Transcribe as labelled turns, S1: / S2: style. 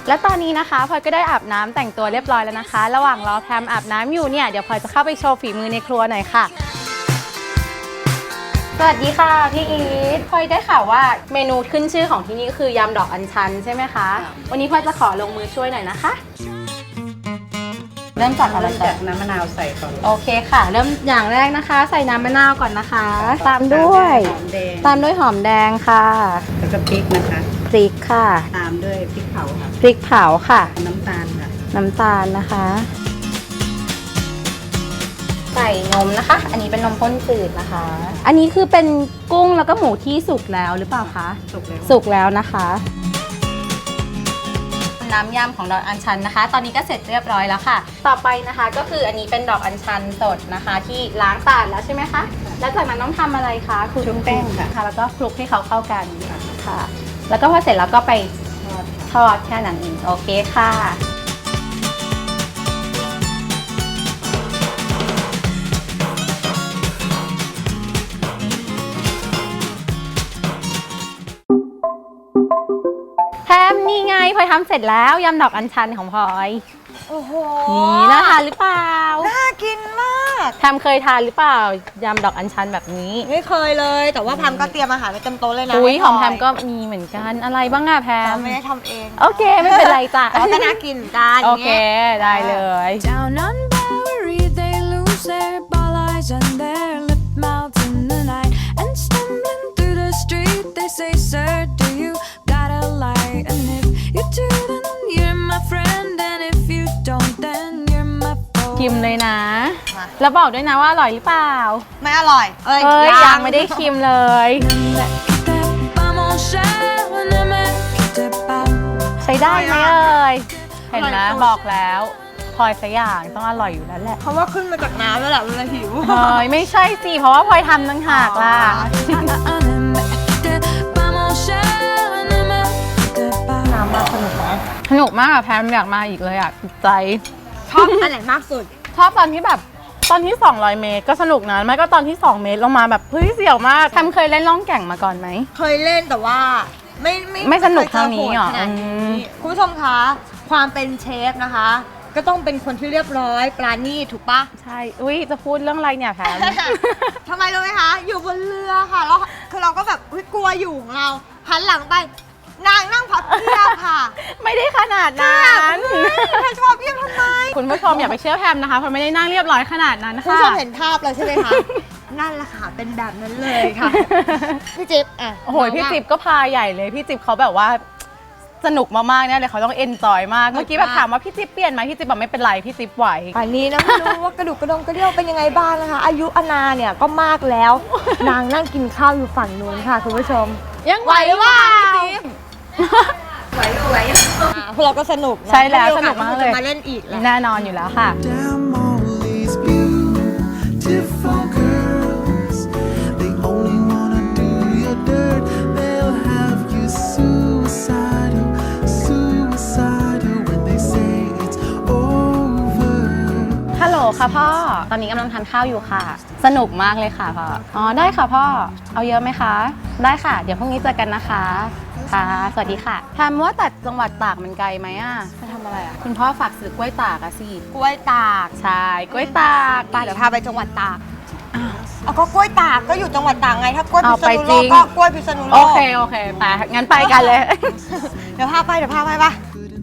S1: และตอนนี้นะคะพลอยก็ได้อาบน้ำแต่งตัวเรียบร้อยแล้วนะคะระหว่างรอแพมอาบน้ำอยู่เนี่ยเดี๋ยวพลอยจะเข้าไปโชว์ฝีมือในครัวหน่อยค่ะสวัสดีค่ะพี่อีทพลอยได้ข่าวว่าเมนูขึ้นชื่อของที่นี่ก็คือยำดอกอัญชันใช่ไหมคะวันนี้พลอยจะขอลงมือช่วยหน่อยนะคะเริ่มจากอะไรก่อน
S2: น้ำมะนาวใส่ก่อน
S1: โอเคค่ะเริ่มอย่างแรกนะคะใส่น้ำมะนาวก่อนนะคะตามด้วยหอมแดงค่ะ
S2: แล้วก็พริกนะคะ
S1: พริกค่ะ
S2: ตามด้วยพริกเผาค่ะ
S1: พริกเผาค่ะ
S2: น้ำตาลค่ะ
S1: น้ำตาลนะคะใส่นมนะคะอันนี้เป็นนมข้นจืดนะคะอันนี้คือเป็นกุ้งแล้วก็หมูที่สุกแล้วหรือเปล่าคะสุกแล้วนะคะน้ำยำของดอกอัญชันนะคะตอนนี้ก็เสร็จเรียบร้อยแล้วค่ะต่อไปนะคะก็คืออันนี้เป็นดอกอัญชันสดนะคะที่ล้างสะอาดแล้วใช่ไหมคะแล้วจากนั้นต้องทำอะไรคะคลุก
S2: แป้งค่ะ
S1: แล้วก็คลุกให้เขาเข้ากันค่ะแล้วก็พอเสร็จแล้วก็ไปทอดแค่นั้นเองโอเคค่ะแพมนี่ไงพลอยทำเสร็จแล้วยำดอกอัญชันของพลอย
S3: โอ้โห
S1: นี่น่าทานหรือเปล่า
S3: น่ากินมาก
S1: แพมเคยทานหรือเปล่ายำดอกอัญชันแบบนี้
S3: ไม่เคยเลยแต่ว่าแพมก็เตรียมอาหารไว้เต็มโต๊ะเลยนะ
S1: อุ้ยของแพมก็มีเหมือนกันอะไรบ้างอะแพม
S3: ไม่ได้ทำเอง
S1: โอเคไม่เป็นไรจ้ะ
S3: แต่ก็น่ากินกัน
S1: โอเคได้เลย
S4: Down on Bowery they lose their ball eyes and their lip mouths in the night and stumbling through the street they say sir do you got a light and if you do then you're my friend and if you don't then you're my foe
S1: ชิมเลยนะแล้วบอกด้วยนะว่าอร่อยหรือเปล่า
S3: ไม่อร่อย
S1: ยังไม่ได้ชิมเลยใช้ได้ไหมเห็นไหมบอกแล้วพลอยสักอย่างต้องอร่อยอยู่แล้วแหละ
S3: เพราะว่าขึ้นมาจากน้ำแล้วแหละเวลาหิว
S1: ไม่ใช่สิเพราะว่าพลอยทำตั้งหากล่ะ
S3: น้ำมาสนุกไหม
S1: สนุกมากอะแพมอยากมาอีกเลยอะติดใจ
S3: ชอบอันไหนมากสุด
S1: ชอบตอนที่200 เมตรก็สนุกนะไม่ก็ตอนที่2 เมตรลงมาแบบเฮ้ยเสี่ยวมากแพมเคยเล่นล่องแก่งมาก่อนไหม
S3: เคยเล่นแต่ว่า
S1: ไม่สนุกเท่านี้หรอ
S3: คุณผู้ชมคะความเป็นเชฟนะคะก็ต้องเป็นคนที่เรียบร้อยปราณีตถูกปะ
S1: ใช่อุ้ยจะพูดเรื่องอะไรเนี่ยแพม
S3: ทำไมรู้ไหมคะอยู่บนเรือค่ะแล้วคือเราก็แบบกลัวอยู่ของเราหันหลังไปนางนั่งพับเพียบค่ะ
S1: ไม่ได้ขนาดนั้น
S3: เธอชอบเพียบทำไม
S1: คุณผู้ชมอย่าไปเชื่อแพมนะคะเพราะไม่ได้นั่งเรียบร้อยขนาดนั้นค่ะ
S3: คุณผู้ชมเห็นภาพแล้วใช่ไหมคะนั่นแหละค่ะเป็นแบบนั้นเลยค่ะพี่จิ๊บอ่ะ
S1: โอ้โหพี่จิ๊บก็พาใหญ่เลยพี่จิ๊บเขาแบบว่าสนุกมากๆเนี่ยเลยเขาต้องเอนจอยมากเมื่อกี้แบบถามว่าพี่จิ๊บเปลี่ยนไหมพี่จิ๊บบอกไม่เป็นไรพี่จิ๊บไหว
S3: อันนี้นะไม่รู้ว่ากระดูกกระดองกระเดี่ยวเป็นยังไงบ้างนะคะอายุอานาเนี่ยก็มากแล้วนางนั่งกินข้าวอยู่ฝั่งนู้นค่ะคุณผู้ชม
S1: ยังไหวว่าพี่จิ๊บ
S3: ไหวพวกเราก็สนุก
S1: ใช่แล้วสนุกมากเลย
S3: มาเล่นอีก
S1: แน่นอนอยู่แล้วค่ะฮัลโหลค่ะพ่อตอนนี้กำลังทานข้าวอยู่ค่ะสนุกมากเลยค่ะพ่ออ๋อได้ค่ะพ่อเอาเยอะไหมคะได้ค่ะเดี๋ยวพรุ่งนี้เจอกันนะคะค่ะสวัสดีค่ะแพมว่าแต่จังหวัดตากมันไกลไหมอ่ะ
S3: จะทำอะไรอ่ะ
S1: คุณพ่อฝากซื้อกล้วยตากอะสิ
S3: กล้วยตาก
S1: ใช่กล้วยตาก
S3: เดี๋ยวพาไปจังหวัดตากเอาก็กล้วยตากก็อยู่จังหวัดตากไงถ้ากล้วยพิษณุโลกก็กล้วยพิษณุโลก
S1: โอเคไปงั้นไปกันเลย
S3: เดี๋ยวพาไปปะ